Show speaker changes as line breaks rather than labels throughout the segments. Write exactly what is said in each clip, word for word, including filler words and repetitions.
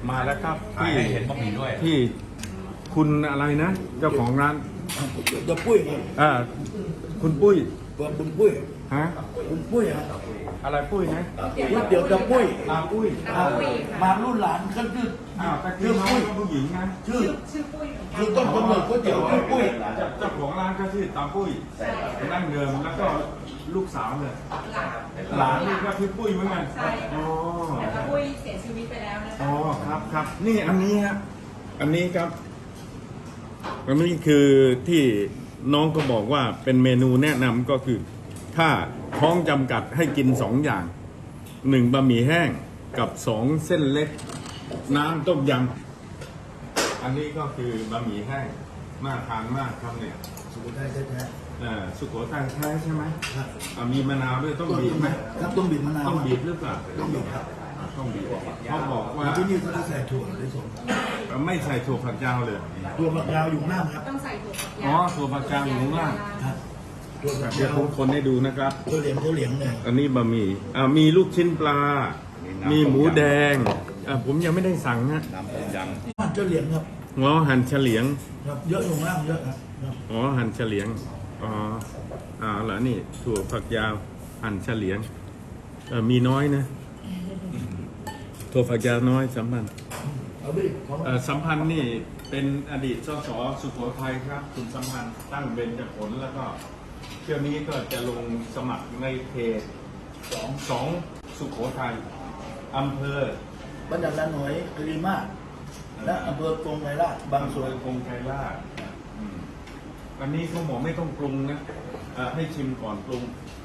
มาแล้วครับ
ขาย
ที่
ให้เห็นบะหมี่ด้วย
ที่คุณอะไรนะ เจ้าของร้าน
เดี๋ยวปุ้ยครับ
อ่าคุณปุ้ย
เปิดบุญปุ้ย
ฮะ
บุญปุ้ยครับ
อะไรปุ้ยนะ
ก๋วยเตี๋ยวจะปุ้ย
อาปุ้ย
อ่ามารุ่นหลานก็ชื่อ
อ้าวแต่
ชื่
คือ
อ
น้อง
ปุ้ย
ก็ผู้หญิงนะ
ชื่อคือต้นกำเนิดก๋วยเตี๋ยวชื่อปุ้ย
เจ้าเจ้าของร้านก็ชื่อตาปุ้ยนั่งเดิมแล้วก็ลูกสาวเลยหลานนี่ก็คือปุ้ยเหมือนกัน
ใช่
อ๋อ
แต่ว่าปุ้ยเสียชีวิตไปแล้วนะคะ
อ๋อครับครับนี่อันนี้ฮะอันนี้ครับอันนี้คือที่น้องก็บอกว่าเป็นเมนูแนะนำก็คือ ถ้าท้องจำกัดให้กินสองอย่างหนึ่งบะหมี่แห้งกับสองเส้นเล็ก น้ำต้มยำอันนี้ก็คือบะหมี่แห้งน่าทานมากครับเนี่ย
สุโขทัยแท้
เอ่อสุโขทัยแท้ใช่ไหม
ๆครับ
อ่ะมีมะนาวด้วยต้อง
ต้น
บีบไหม
ครับต้องบีบมะนาว
ต้องบีบหรือเปล่า
ต้องบีบครับ
อ่ะต้องบีบเขาบอกว่า
ที่นี่เขาจะใส่ถั่วลิสง
ไม่ใส่ถั่วฝักยาวเลย
ถั่วฝักยาวอยู่หน้าครับ
ต้องใส่ถั่วฝักยาว
อ๋อถั่วฝักยาวอยู่ข้างล่าง
ครับถั่วฝัก
เดี๋ย
ยาว ว
ผมคนให้ดูนะครับ
ถั่วเหลียงถั่วเหลียงเนี่ย
อันนี้บะหมี่อ่ามีลูกชิ้นปลา มีหมูแดงอ่าผมยังไม่ได้สั่งฮะ
น้ำต้มย
ถั่วเหลียงครับ
ง้อหั่นเฉลียง
ครับเยอะอยู่ข้างล่างเยอะครับครับ
อ๋อหั่นเฉลียง อ๋ออ่าเหรอนี่ถั่วฝักยาวหั่นเฉลียงเออมีน้อยนะ ถั่วฝักยาวน้อยสัมพันธ์
เอาดิของ
เอ่อสัมพันธ์นี่เป็นอดีตสสสุโขทัยครับ คุณสัมพันธ์ตั้งเบญจผลแล้วก็เที่ยวนี้ก็จะลงสมัครในเขตสองสองสุโขทัยอำเภอ
บันดาลละหน่วยกรีมาศและอำเภอกรงไกรลาดบางส่วน
กงไกรลาดอืมอันนี้เขาบอกไม่ต้องปรุงนะเอ่อให้ชิมก่อนปรุง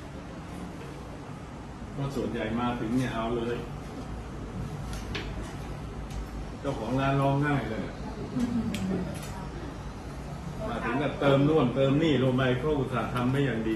เพราะส่วนใหญ่มาถึงเนี่ยเอาเลย เจ้าของร้านร้องไห้เลย มาถึงก็เติมนู่นเติมนี่ลงไปเขาอุตส่าห์ทำไม่อย่างดี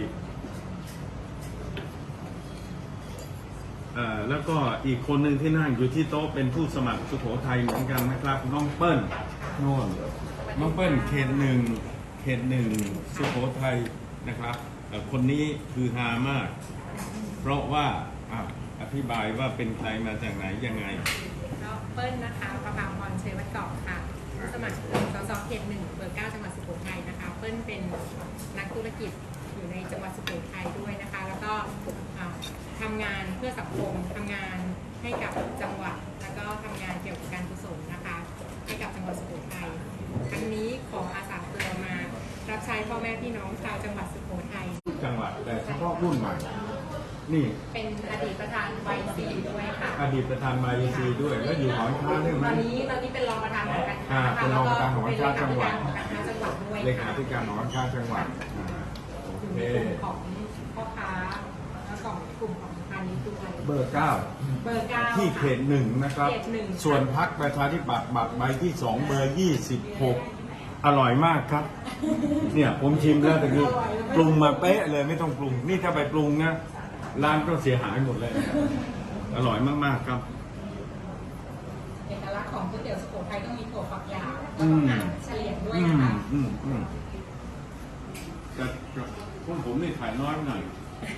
อ่าแล้วก็อีกคนหนึ่งที่นั่งอยู่ที่โต๊ะเป็นผู้สมัครสุโขทัยเหมือนกันนะครับ น้องเปิ้ลโน่นน้องเปิ้ลเขตหนึ่งเขตหนึ่งสุโขทัยนะครับเอ่อคนนี้คือฮามาก เพราะว่าอ่ะอธิบายว่าเป็นใครมาจากไหนยังไง
ก็เปิ้ลนะคะประภาพรเชยวัดเกาะค่ะสมัครสสเขตหนึ่งเบอร์เก้าจังหวัดสุโขทัยนะคะเปิ้ลเป็นนักธุรกิจอยู่ในจังหวัดสุโขทัยด้วยนะคะ แล้วก็อ่าทำงานเพื่อสังคมทำงานให้กับจังหวัด แล้วก็ทำงานเกี่ยวกับการกุศลนะคะ ให้กับจังหวัดสุโขทัยครั้งนี้ขออาสาตัวมารับใช้พ่อแม่พี่น้องชาวจังหวัดสุโขทัย
จังหวัดแต่เฉพาะรุ่นใหม่ นี่
เป็นอดีตประธานไวซีด้วยค่ะ
อดีตประธานมาเลเซียด้วย แล้วอยู่หอค้าด้วยไหม
ตอนนี้ตอนนี้เป็นรองประธานของการ
อ่า
ค้า
เป็นรองประธานหอการค้าจังหวัด
ของการค้าจังหวัดด้วย
เลขาธิการหอการค้าจังหวัดอ่าโอ
อยู่
เค
ในกลุ่มของพ่อค้าแล้วก็กลุ่มของพาณิชย์ด้วย
เบอร์เก้า
เบอร์เก้า
ที่เขตหนึ่งนะครับ
เขตหนึ่ง
ส่วนพักประชาธิปัตย์บัตรใบที่สองเบอร์ยี่สิบหกอร่อยมากครับ เนี่ยผมชิมแล้วแต่คือปรุงมาเป๊ะเลยไม่ต้องปรุง นี่ถ้าไปปรุงนะร้านก็เสียหายหมดเลย อร่อยมากๆครับ
เอกลักษณ์ของก๋วยเตี๋ยวสุโขทัยต้องมีถั่วฝักยาว
อืม
แล้วก็หั่นเฉลี่ยงด้วย
อื
นะ
ม
คะ
อืมอืมแต่แต่พวกผมนี่ขายน้อยไปหน่อย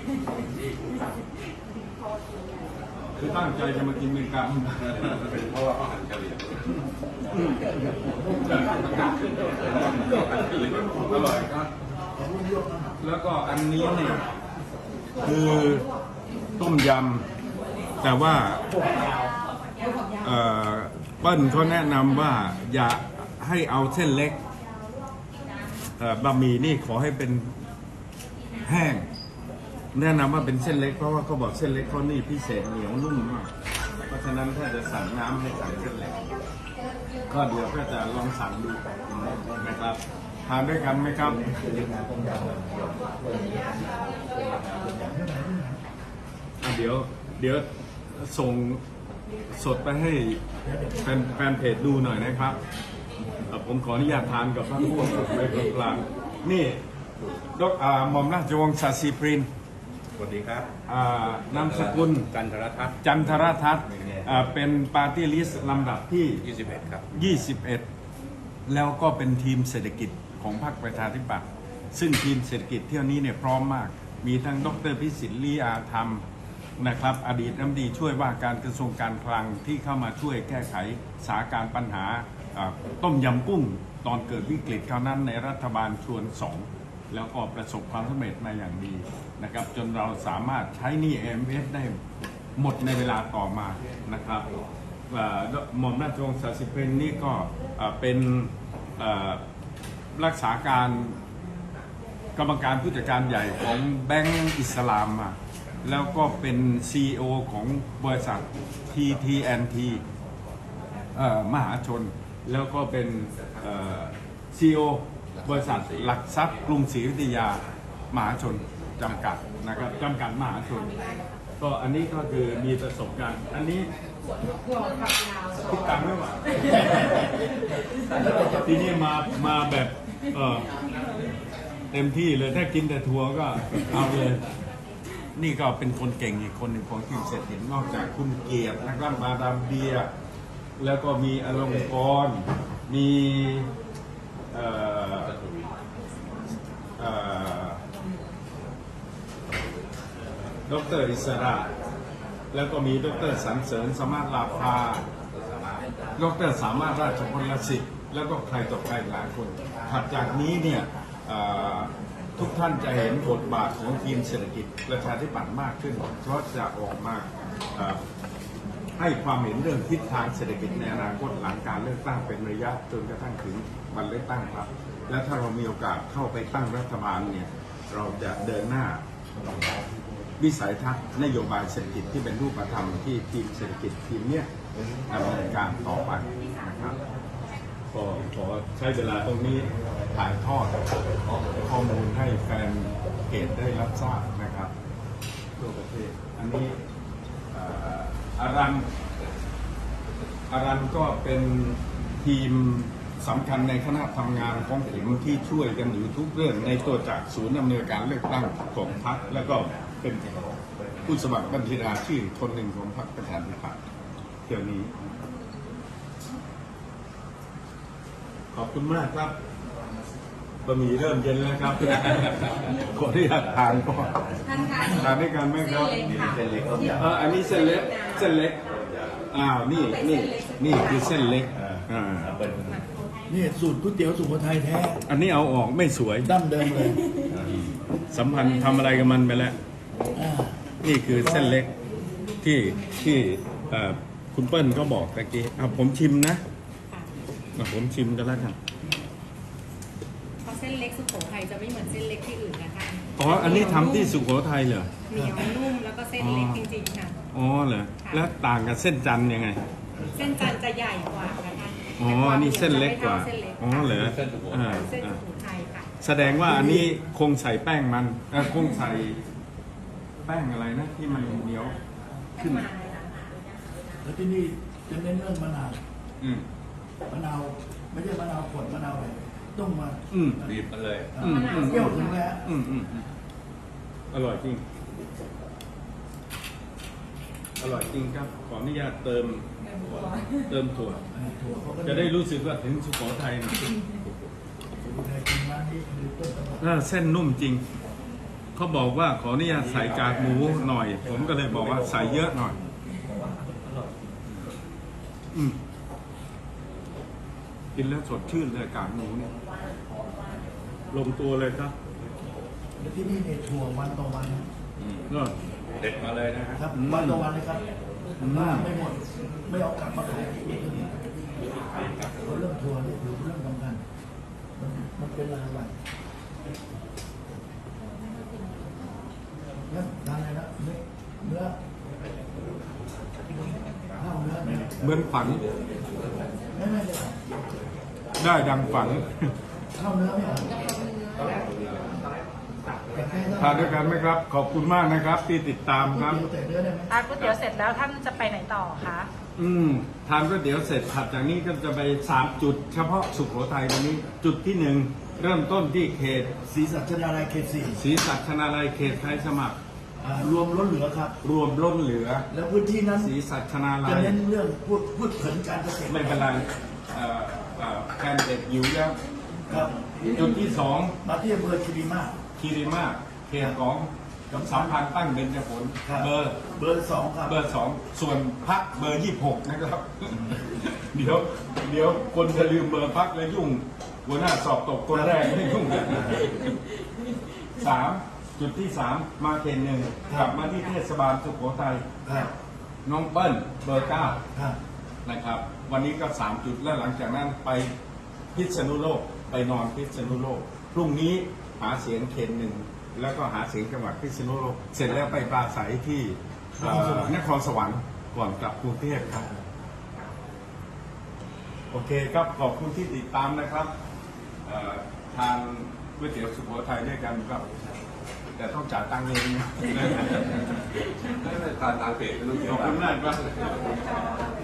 คือตั้งใจจะมากินเป็นกรรม
เป็นเพราะว่าอาหารเฉลี่ย
อร่อยครับ แล้วก็อันนี้เนี่ย คือต้มยำ แต่ว่าเอ่อเปิ้ลเขาแนะนำว่า อย่าให้เอาเส้นเล็กเอ่อบะหมี่นี่ขอให้เป็นแห้ง แนะนำว่าเป็นเส้นเล็กเพราะว่าเขาบอกเส้นเล็กเขานี่พิเศษเหนียวนุ่มมาก เพราะฉะนั้นถ้าจะสั่งน้ำให้สั่งเส้นเล็ก ก็เดี๋ยวก็จะลองสั่งดูนะครับทานด้วยกันไหมครับ เดี๋ยวเดี๋ยวส่งสดไปให้แฟนแฟนเพจดูหน่อยนะครับเอ่อผมขออนุญาตทานกับท่านผู้ชมในกลางนี่ดอกอ่าหม่อมราชวงศ์ชาซีปริน
สวัสดีครับ
อ่านามสกุล
จันทรทัศน์
จันทรทัศน์อ่าเป็นปาร์ตี้ลิสต์ลำดับที่
ยี่สิบเอ็ดครับ
ยี่สิบเอ็ด แล้วก็เป็นทีมเศรษฐกิจของพรรคประชาธิปัตย์ซึ่งทีมเศรษฐกิจเที่ยวนี้เนี่ยพร้อมมาก มีทั้งดรพิสิทธิ์ลีอาธรรมนะครับอดีตรัฐมนตรีช่วยว่าการกระทรวงการคลังที่เข้ามาช่วยแก้ไขสถานการณ์ปัญหาอ่าต้มยำกุ้งตอนเกิดวิกฤตคราวนั้นในรัฐบาลชวนสองแล้วก็ประสบความสำเร็จมาอย่างดีนะครับจนเราสามารถใช้หนี้ เอ็ม เอฟ ได้หมดในเวลาต่อมานะครับอ่าหม่อมราชวงศ์ศาสิเพนนี่ก็อ่าเป็นอ่ารักษาการกรรมการผู้จัดการใหญ่ของแบงก์อิสลามมาแล้วก็เป็น ซี อี โอ ของบริษัท ที ที แอนด์ ที เอ่อมหาชน แล้วก็เป็นเอ่อ ซี อี โอ บริษัทหลักทรัพย์กรุงศรีอยุธยามหาชนจำกัดนะครับจำกัดมหาชน ก็อันนี้ก็คือมีประสบการณ์อันนี้คิดตังค์ไม่ไหวทีนี้มามาแบบเออเต็มที่เลยถ้ากินแต่ทัวร์ก็เอาเลย นี่ก็เป็นคนเก่งอีกคนหนึ่งของทีมเศรษฐีนอกจากคุณเกียรตินะครับมาดามเบียร์แล้วก็มีอลงกรณ์มีเอ่อเอ่อดรอิสระแล้วก็มีดรสรรเสริญสมาร์ทลาภาดรสามารถราชพลสิทธิ์แล้วก็ใครต่อใครหลายคนถัดจากนี้เนี่ยเอ่อทุกท่านจะเห็นบทบาทของทีมเศรษฐกิจประชาธิปัตย์มากขึ้นเพราะจะออกมาเอ่อให้ความเห็นเรื่องทิศทางเศรษฐกิจในอนาคตหลังการเลือกตั้งเป็นระยะจนกระทั่งถึงวันเลือกตั้งครับและถ้าเรามีโอกาสเข้าไปตั้งรัฐบาลเนี่ยเราจะเดินหน้าวิสัยทัศน์นโยบายเศรษฐกิจที่เป็นรูปธรรมที่ทีมเศรษฐกิจทีมเนี้ยดำเนินการต่อไปนะครับก็ขอใช้เวลาตรงนี้ถ่ายทอดข้อมูลให้แฟนเพจได้รับทราบนะครับทั่วประเทศอันนี้เอ่ออารันอารันก็เป็นทีมสำคัญในคณะทำงานของผมที่ช่วยกันอยู่ทุกเรื่องในตัวจากศูนย์อำนวยการเลือกตั้งของพรรคแล้วก็เป็นผู้สมัครบัญชีรายชื่อคนหนึ่งของพรรคประชาธิปัตย์เที่ยวนี้ขอบคุณมากครับบะหมี่เริ่มเย็นแล้วครับขออนุญาตทานก่อนทานด้วยกันไหมครับเส้นเล็กเอออันนี้เส้นเล็กเส้นเล็กอ้าวนี่นี่นี่คือเส้นเล็กอ่า
นี่สูตรก๋วยเตี๋ยวสุโขทัยแท้
อันนี้เอาออกไม่สวย
ดั้งเดิมเลย
สัมพันธ์ทำอะไรกับมันไปแล้ว
อ่า
นี่คือเส้นเล็กที่ที่เอ่อคุณเปิ้ลก็บอกตะกี้เอาผมชิมนะเอาผมชิมกันแล้วกัน
เพราะเส้นเล็กสุโขทัยจะไม่เหมือนเส้นเล็กที่อื่นนะคะ
อ๋ออันนี้ทำที่สุโขทัยเหรอ
เหนียวนุ่มแล้วก็เส้นเล็กจริงๆค่ะ
อ๋อเหรอแล้วต่างกับเส้นจันทร์ยังไง
เส้นจันทร์จะใหญ่กว่านะคะ
อ๋ออันนี้เส้นเล็กกว่า
เส้นเล็ก
อ๋อเหรอ
เส้นสุโขทัย
อ่า
เส้น
อ่า
สุโขทัยค่ะ
แสดงว่าอันนี้คงใส่แป้งมันเออคงใส่แป้งอะไรนะที่มันเหนียวขึ้น
แล้วที่นี่จะเน้นเรื่องมะนาว
อืม
มะนาวไม่ใช่มะนาวขวดมะนาวอะไรต้องมา
อืม
รีบมาเลย
อืมอืม
เปรี้ยวถึงแล้ว
อืมอืมอืมอร่อยจริง อร่อยจริงครับ ขออนุญาตเติม เติมถั่ว
ถั่วเขาก็
จะได้รู้สึกว่าถึงสุโขทัยนะ
สุโขทัยกินร้านนี้คือต้นตำรับ
เออเส้นนุ่มจริง เขาบอกว่าขออนุญาตใส่กากหมูหน่อย ผมก็เลยบอกว่าใส่เยอะหน่อย อืมกินแล้วสดชื่นเลยกากหมูเนี่ย ลงตัวเลยครับ
แล้วที่นี่เนี่ยถั่ววันต่อวันนะ
ก็
เด็ดมาเลยนะฮะ
ครับวันต่อวันเลยครับถ้าไม่หมดไม่เอากลับมาขายอีกเพราะเรื่องถั่วเนี่ยถือเรื่องสำคัญมันมันเป็นรายวันแล้วทานอะไรนะเนื้อเนื้อข้าวเนื้อไม่
เหมือนฝัน
ไม่ไม่เลย
ได้ดังฝัน
ข้าวเนื้อไม่เอาแต่แค่
ทานด้วยกันไหมครับ ขอบคุณมากนะครับ ที่ติดตามครับ
ก๋วยเตี๋ยวแต่เนื้อได้ไหม
ทานก๋วยเตี๋ยวเสร็จแล้วท่านจะไปไหนต่อคะ
อืมทานก๋วยเตี๋ยวเสร็จถัดจากนี้ก็จะไปสามจุด เฉพาะสุโขทัยวันนี้ จุดที่หนึ่งเริ่มต้นที่เขต
ศรีสัชนาลัยเขตสี่
ศรีสัชนาลัยเขตไทยสมัคร
อ่ารวมล้นเหลือครับ
รวมล้นเหลือ
แล้วพื้นที่นั้น
ศรีสัชนาลั
จะ
ย
เน้นเรื่องพูดพูดผลการเกษตร
ไม่เป็นไรเอ่อเอ่อแคนเด็ดอยู่แล้ว
ครับ
จุดที่สอง
มาที่อำเภอคีรีมาศ
คีรีมาศเขตของสัมพันธ์ตั้งเบญจผล
ครับ
เบอร์
เบอร์สองครับ
เบอร์สองส่วนพักเบอร์ยี่สิบหกนะครับ เดี๋ยว เดี๋ยวคนจะลืมเบอร์พักแล้วยุ่งหัวหน้าสอบตกคนแรกไม่ยุ่งสามจุดที่สามมาเขตหนึ่งกลับมาที่เทศบาลสุโขทัย
ครับ
น้องเปิ้ลเบอร์เก้า
ครับ
นะครับ วันนี้ก็สามจุดแล้วหลังจากนั้นไปพิษณุโลกไปนอนพิษณุโลกพรุ่งนี้หาเสียงเขตหนึ่งแล้วก็หาเสียงจังหวัดพิษณุโลกเสร็จแล้วไปปราศัยที่เอ่อนครสวรรค์ก่อนกลับกรุงเทพครับ โอเคครับขอบคุณที่ติดตามนะครับเอ่อทานก๋วยเตี๋ยวสุโขทัยด้วยกันครับ แต่ต้องจ่ายตังค์เองนะ
ทานทางเพจไม่ต้องเกี่
ข
ยว
อบ
กั
คุ
น
ณมากครับ